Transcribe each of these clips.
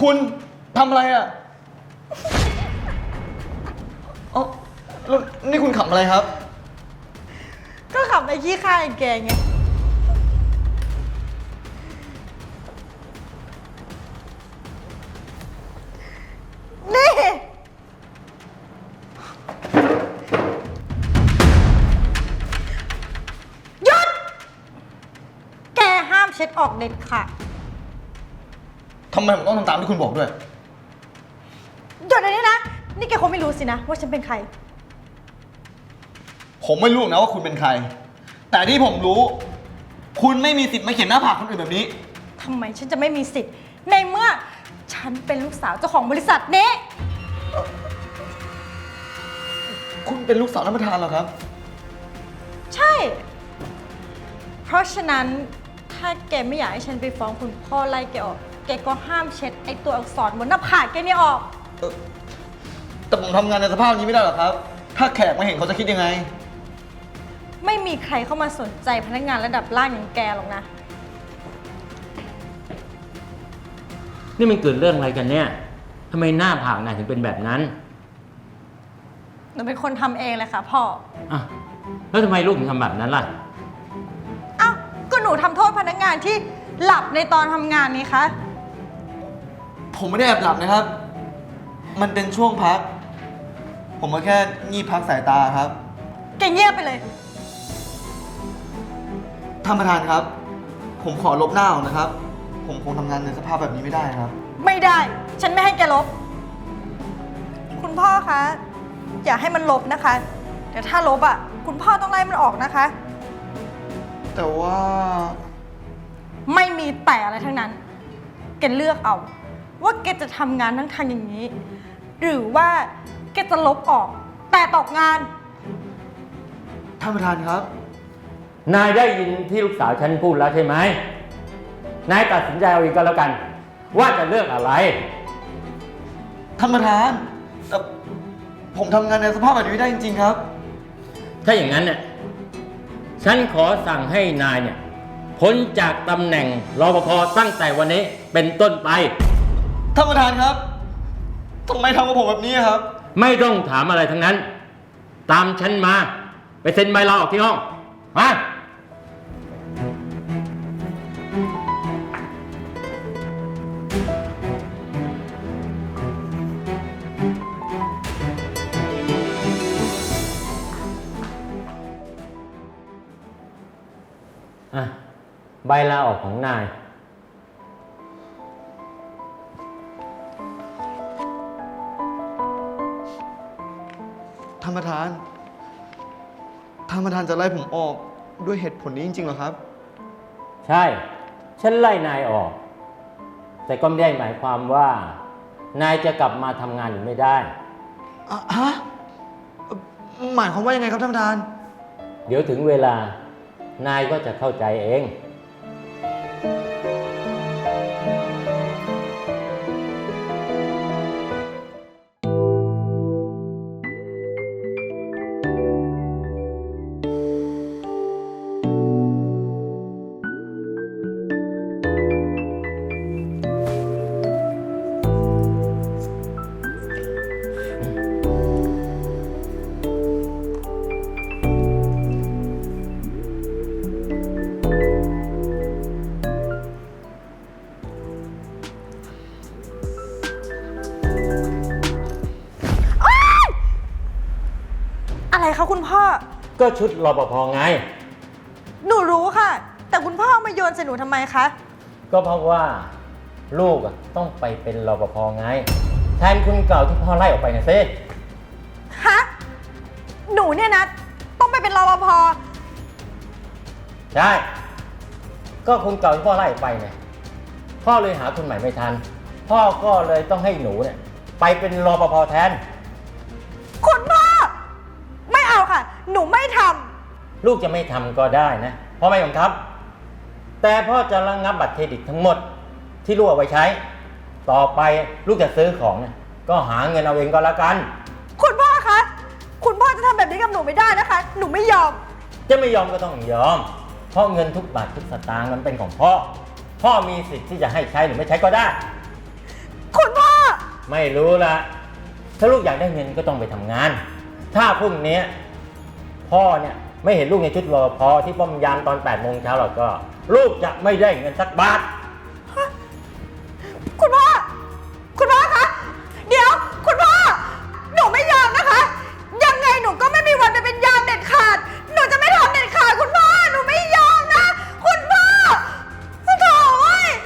คุณทำอะไรอ่ะอ๋อแล้วนี่คุณขำอะไรครับก็ขับไปขี้ข้าไอ้แกไงนี่หยุดแกห้ามเช็ดออกเด็ดขาดทำไมผมต้องทำตามที่คุณบอกด้วยหยุดอันนี้นะ นี่แกคงไม่รู้สินะว่าฉันเป็นใครผมไม่รู้หรอกนะว่าคุณเป็นใคร แต่ที่ผมรู้ คุณไม่มีสิทธิ์มาเขียนหน้าผากคนอื่นแบบนี้ทำไมฉันจะไม่มีสิทธิ์ ในเมื่อฉันเป็นลูกสาวเจ้าของบริษัทนี้คุณเป็นลูกสาวท่านประธานเหรอครับใช่ เพราะฉะนั้นถ้าแกไม่อยากให้ฉันไปฟ้องคุณพ่อไล่แกออก แกก็ห้ามเช็ดไอตัวอักษรบนหน้าผากแกนี่ออกแต่ผมทำงานในสภาพนี้ไม่ได้หรอกครับ ถ้าแขกมาเห็นเขาจะคิดยังไงไม่มีใครเข้ามาสนใจพนักงานระดับล่างอย่างแกหรอกนะนี่มันเกิดเรื่องอะไรกันเนี่ยทำไมหน้าผากนายถึงเป็นแบบนั้นหนูเป็นคนทำเองเลยค่ะพ่ออ่ะแล้วทำไมลูกถึงทำแบบนั้นล่ะอ้าว ก็หนูทำโทษพนักงานที่หลับในตอนทำงานนี้คะผมไม่ได้แอบหลับนะครับ มันเป็นช่วงพัก ผมมาแค่งีบพักสายตาครับแกเงียบไปเลยท่านประธานครับ ผมขอลบหน้าออกนะครับ ผมคงทำงานในสภาพแบบนี้ไม่ได้ครับไม่ได้ ฉันไม่ให้แกลบ คุณพ่อคะ อย่าให้มันลบนะคะ เดี๋ยวถ้าลบอ่ะ คุณพ่อต้องไล่มันออกนะคะแต่ว่าไม่มีแต่อะไรทั้งนั้น แกเลือกเอา ว่าแกจะทำงานทั้งทางอย่างนี้ หรือว่าแกจะลบออก แต่ตกงานท่านประธานครับนายได้ยินที่ลูกสาวฉันพูดแล้วใช่ไหม นายตัดสินใจเอาเองก็แล้วกัน ว่าจะเลือกอะไรท่านประธานแต่ผมทำงานในสภาพแบบนี้ไม่ได้จริงๆครับถ้าอย่างนั้นเนี่ยฉันขอสั่งให้นายเนี่ยพ้นจากตำแหน่งรปภตั้งแต่วันนี้เป็นต้นไปท่านประธานครับทำไมทำกับผมแบบนี้ครับไม่ต้องถามอะไรทั้งนั้น ตามฉันมา ไปเซ็นใบลาออกที่ห้อง มา อ่ะ ใบลาออกของนายท่านประธาน ท่านประธานจะไล่ผมออกด้วยเหตุผลนี้จริงๆเหรอครับใช่ ฉันไล่นายออก แต่ก็ไม่ได้หมายความว่า นายจะกลับมาทำงานหรือไม่ได้ฮะ หมายความว่ายังไงครับท่านประธานเดี๋ยวถึงเวลา นายก็จะเข้าใจเองอะไรคะคุณพ่อก็ชุดรปภไงหนูรู้ค่ะ แต่คุณพ่อมาโยนใส่หนูทำไมคะก็เพราะว่าลูกต้องไปเป็นรปภไง แทนคุณเก่าที่พ่อไล่ออกไปนะซิฮะ หนูเนี่ยนะ ต้องไปเป็นรปภใช่ ก็คุณเก่าที่พ่อไล่ออกไปไงพ่อเลยหาคนใหม่ไม่ทัน พ่อก็เลยต้องให้หนูเนี่ยไปเป็นรปภแทนคุณพ่อ ไม่เอาค่ะ หนูไม่ทลูกจะไม่ทำก็ได้นะพ่อไม่บังคับ แต่พ่อจะระงับบัตรเครดิตทั้งหมดที่ลูกเอาไว้ใช้ ต่อไปลูกจะซื้อของเนี่ยก็หาเงินเอาเองก็แล้วกันำคุณพ่อคะ คุณพ่อจะทำแบบนี้กับหนูไม่ได้นะคะ หนูไม่ยอมจะไม่ยอมก็ต้องยอม เพราะเงินทุกบาททุกสตางค์มันเป็นของพ่อ พ่อมีสิทธิ์ที่จะให้ใช้หรือไม่ใช้ก็ได้คุณพ่อไม่รู้ละถ้าลูกอยากได้เงินก็ต้องไปทำงาน ถ้าพรุ่งนี้พ่อเนี่ยไม่เห็นลูกในชุดรปภที่ป้อมยามตอน8 โมงเช้าหรอกก็ ลูกจะไม่ได้เงินสักบาทคุณพ่อ คุณพ่อคะ เดี๋ยว คุณพ่อ หนูไม่ยอมนะคะ ยังไงหนูก็ไม่มีวันไปเป็นยามเด็ดขาด หนูจะไม่ทำเด็ดขาดคุณพ่อ หนูไม่ยอมนะ คุณพ่อโถ่เว้ย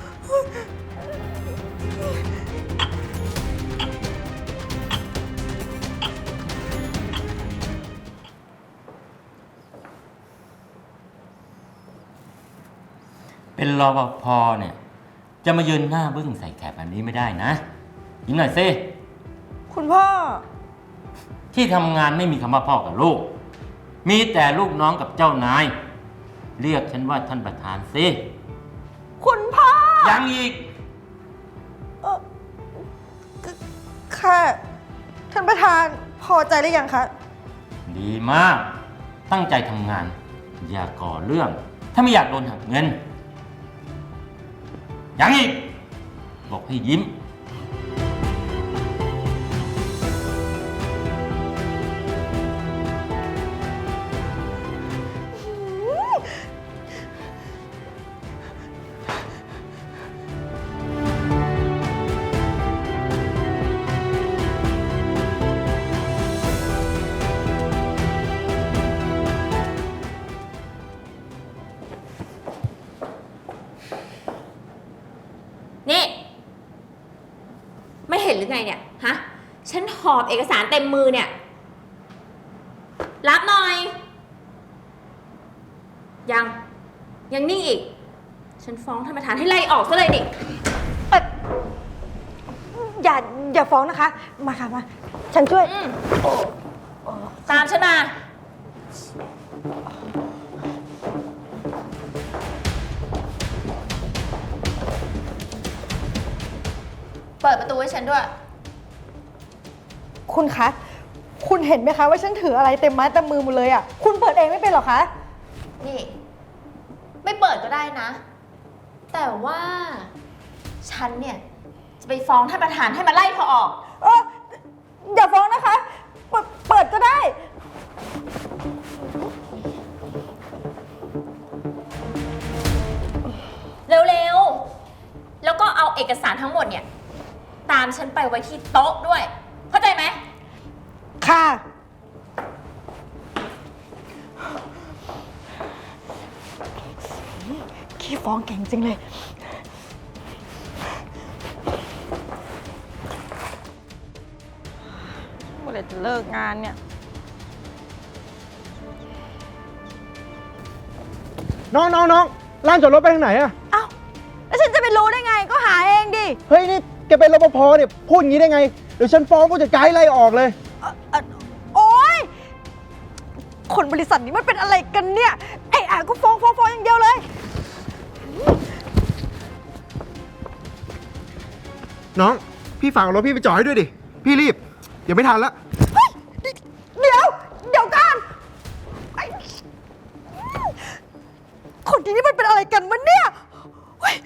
เป็นรปภเนี่ยจะมายืนหน้าบึ้งใส่แขกแบบนี้ไม่ได้นะยิ้มหน่อยสิคุณพ่อที่ทำงานไม่มีคำว่าพ่อกับลูก มีแต่ลูกน้องกับเจ้านาย เรียกฉันว่าท่านประธานสิคุณพ่อยังอีกค่ะท่านประธานพอใจหรือยังคะดีมาก ตั้งใจทำงาน อย่าก่อเรื่อง ถ้าไม่อยากโดนหักเงิน ยังอีก บอกให้ยิ้มนี่ ไม่เห็นหรือไงเนี่ย ฮะ ฉันหอบเอกสารเต็มมือเนี่ย รับหน่อย ยังนิ่งอีก ฉันฟ้องท่านประธานให้ไล่ออกซะเลยนี่อย่าฟ้องนะคะ มาค่ะมา ฉันช่วยตามฉันมา เปิดประตูให้ฉันด้วยคุณคะ คุณเห็นไหมคะว่าฉันถืออะไรเต็มไม้เต็มมือหมดเลยอ่ะ คุณเปิดเองไม่เป็นหรอคะนี่ ไม่เปิดก็ได้นะ แต่ว่าฉันเนี่ย จะไปฟ้องท่านประธานให้มาไล่เธอออกอย่าฟ้องนะคะ เปิดก็ได้เร็วๆ แล้วก็เอาเอกสารทั้งหมดเนี่ย ตามฉันไปไว้ที่โต๊ะด้วย เข้าใจไหมค่ะ ขี้ฟ้องเก่งจริงเลย เมื่อไหร่จะเลิกงานเนี่ยน้องลานจอดรถไปทางไหนอะเอ้า แล้วฉันจะไปรู้ได้ไง ก็หาเองดิเฮ้ย นี่แกเป็นรปภเนี่ยพูดอย่างนี้ได้ไง เดี๋ยวฉันฟ้องผู้จัดการให้ไล่ออกเลยโอ๊ย คนบริษัทนี้มันเป็นอะไรกันเนี่ย ไอ้ก็ฟ้องอย่างเดียวเลยน้อง พี่ฝากเอารถพี่ไปจอดให้ด้วยดิ พี่รีบ เดี๋ยวไม่ทันละเดี๋ยวกันไอ้คนที่นี่มันเป็นอะไรกันวะเนี่ยเฮ้ย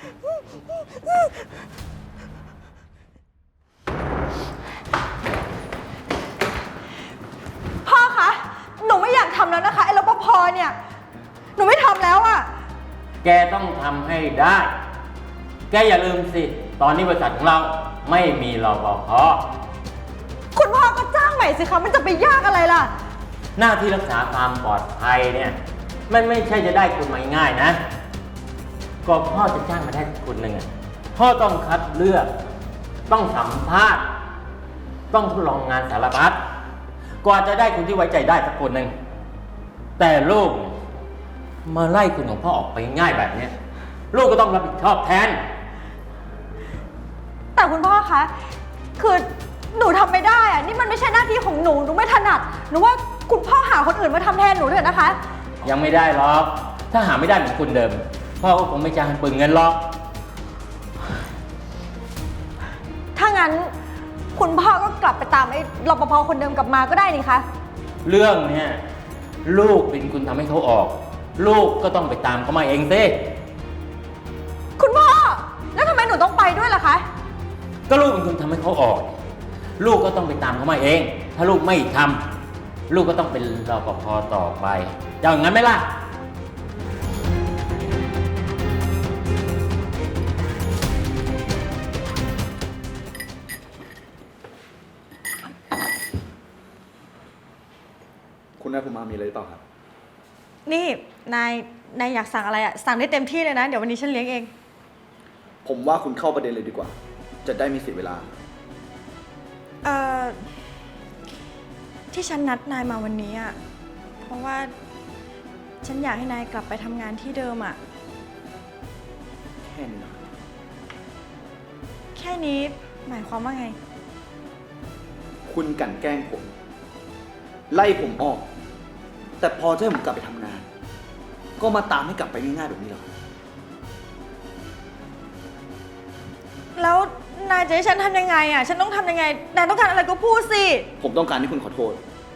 พ่อคะ หนูไม่อยากทำแล้วนะคะ ไอ้รปภเนี่ย หนูไม่ทำแล้วอะแกต้องทำให้ได้ แกอย่าลืมสิ ตอนนี้บริษัทของเราไม่มีรปภคุณพ่อก็จ้างใหม่สิคะมันจะไปยากอะไรล่ะหน้าที่รักษาความปลอดภัยเนี่ย มันไม่ใช่จะได้คนมาง่ายๆนะ ก็พ่อจะจ้างมาได้คนหนึ่งอะพ่อต้องคัดเลือก ต้องสัมภาษณ์ ต้องทดลองงานสารพัดกว่าจะได้คนที่ไว้ใจได้สักคนหนึ่ง แต่ลูกมาไล่คนของพ่อออกไปง่ายแบบเนี้ยลูกก็ต้องรับผิดชอบแทนแต่คุณพ่อคะ คือหนูทำไม่ได้อะนี่มันไม่ใช่หน้าที่ของหนู หนูไม่ถนัด หนูว่าคุณพ่อหาคนอื่นมาทำแทนหนูเถอะนะคะยังไม่ได้หรอก ถ้าหาไม่ได้เหมือนคุณเดิม พ่อก็คงไม่จ้างให้เปลืองเงินหรอกถ้างั้นคุณพ่อก็กลับไปตามไอ้รปภคนเดิมกลับมาก็ได้นี่คะเรื่องเนี่ยลูกเป็นคุณทำให้เขาออก ลูกก็ต้องไปตามเขามาเองสิคุณพ่อ แล้วทำไมหนูต้องไปด้วยล่ะคะก็ลูกเป็นคนทำให้เขาออก ลูกก็ต้องไปตามเขามาเอง ถ้าลูกไม่ทำลูกก็ต้องเป็นรปภต่อไปจะอย่างนั้นไหมล่ะคุณนายภูมิมามีอะไรหรือเปล่าครับนี่นายอยากสั่งอะไรอะสั่งได้เต็มที่เลยนะ เดี๋ยววันนี้ฉันเลี้ยงเองผมว่าคุณเข้าประเด็นเลยดีกว่า จะได้ไม่เสียเวลาเอ่อ ที่ฉันนัดนายมาวันนี้อะเพราะว่าฉันอยากให้นายกลับไปทำงานที่เดิมอะแค่นี้นะแค่นี้หมายความว่าไงคุณกลั่นแกล้งผม ไล่ผมออก แต่พอจะให้ผมกลับไปทำงาน ก็มาตามให้กลับไปง่ายๆแบบนี้เหรอแล้วนายจะให้ฉันทำยังไงอะฉันต้องทำยังไง นายต้องการอะไรก็พูดสิผมต้องการให้คุณขอโทษ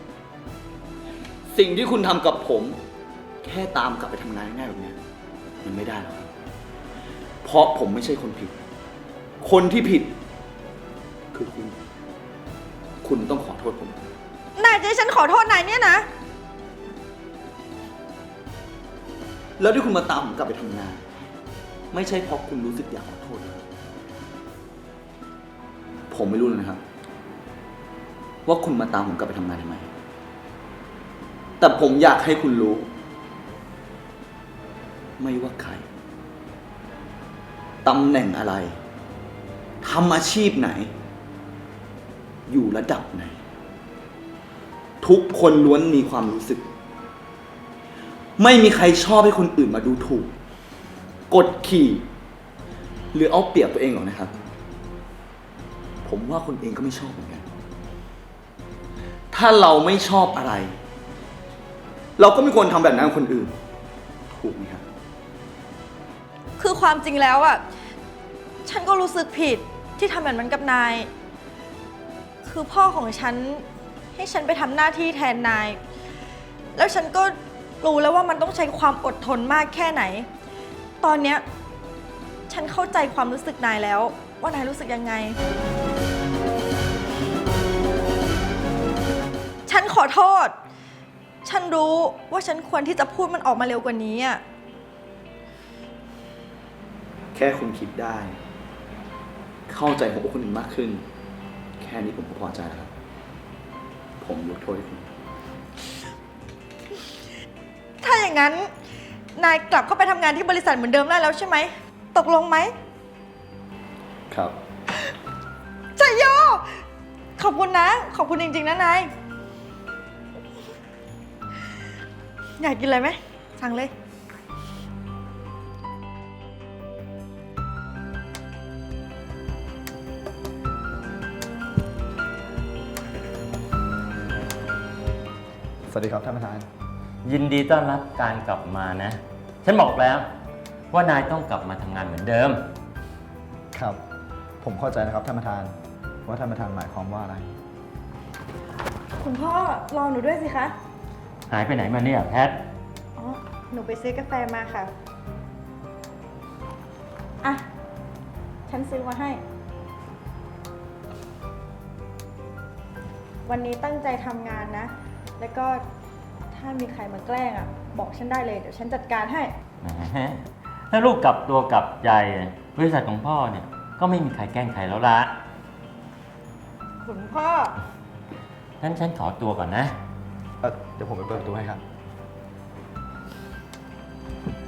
สิ่งที่คุณทำกับผม แค่ตามกลับไปทำงานง่ายๆแบบนี้มันไม่ได้หรอกครับ เพราะผมไม่ใช่คนผิด คนที่ผิด คือคุณ คุณต้องขอโทษผมนายจะให้ฉันขอโทษนายเนี่ยนะแล้วที่คุณมาตามผมกลับไปทำงาน ไม่ใช่เพราะคุณรู้สึกอยากขอโทษหรอกผมไม่รู้เลยนะครับ ว่าคุณมาตามผมกลับไปทำงานทำไม แต่ผมอยากให้คุณรู้ ไม่ว่าใครตำแหน่งอะไรทำอาชีพไหน อยู่ระดับไหน ทุกคนล้วนมีความรู้สึก ไม่มีใครชอบให้คนอื่นมาดูถูก กดขี่ หรือเอาเปรียบตัวเองหรอกนะครับ ผมว่าคนเองก็ไม่ชอบเหมือนกัน ถ้าเราไม่ชอบอะไร เราก็ไม่ควรทำแบบนั้นกับคนอื่น ถูกไหมครับคือความจริงแล้วอ่ะ ฉันก็รู้สึกผิดที่ทำแบบนั้นกับนาย คือพ่อของฉันให้ฉันไปทำหน้าที่แทนนาย แล้วฉันก็รู้แล้วว่ามันต้องใช้ความอดทนมากแค่ไหน ตอนเนี้ยฉันเข้าใจความรู้สึกนายแล้ว ว่านายรู้สึกยังไง ฉันขอโทษ ฉันรู้ว่าฉันควรที่จะพูดมันออกมาเร็วกว่านี้อ่ะแค่คุณคิดได้ เข้าใจหัวอกคนอื่นมากขึ้น แค่นี้ผมก็พอใจแล้วครับ ผมยกโทษให้คุณถ้าอย่างนั้น นายกลับเข้าไปทำงานที่บริษัทเหมือนเดิมได้แล้วใช่ไหม ตกลงไหมครับชัยโย ขอบคุณนะ ขอบคุณจริงๆนะนาย อยากกินอะไรไหม สั่งเลยสวัสดีครับท่านประธานยินดีต้อนรับการกลับมานะ ฉันบอกแล้ว ว่านายต้องกลับมาทำงานเหมือนเดิมครับ ผมเข้าใจนะครับท่านประธาน ว่าท่านประธานหมายความว่าอะไรคุณพ่อรอหนูด้วยสิคะหายไปไหนมาเนี่ยแพทอ๋อ หนูไปซื้อกาแฟมาค่ะ อ่ะ ฉันซื้อมาให้ วันนี้ตั้งใจทำงานนะ แล้วก็ถ้ามีใครมาแกล้งอ่ะ บอกฉันได้เลย เดี๋ยวฉันจัดการให้แหมถ้าลูกกลับตัวกลับใจบริษัทของพ่อเนี่ย ก็ไม่มีใครแกล้งใครแล้วละคุณพ่องั้นฉันขอตัวก่อนนะเดี๋ยวผมไปเปิดประตูให้ครับ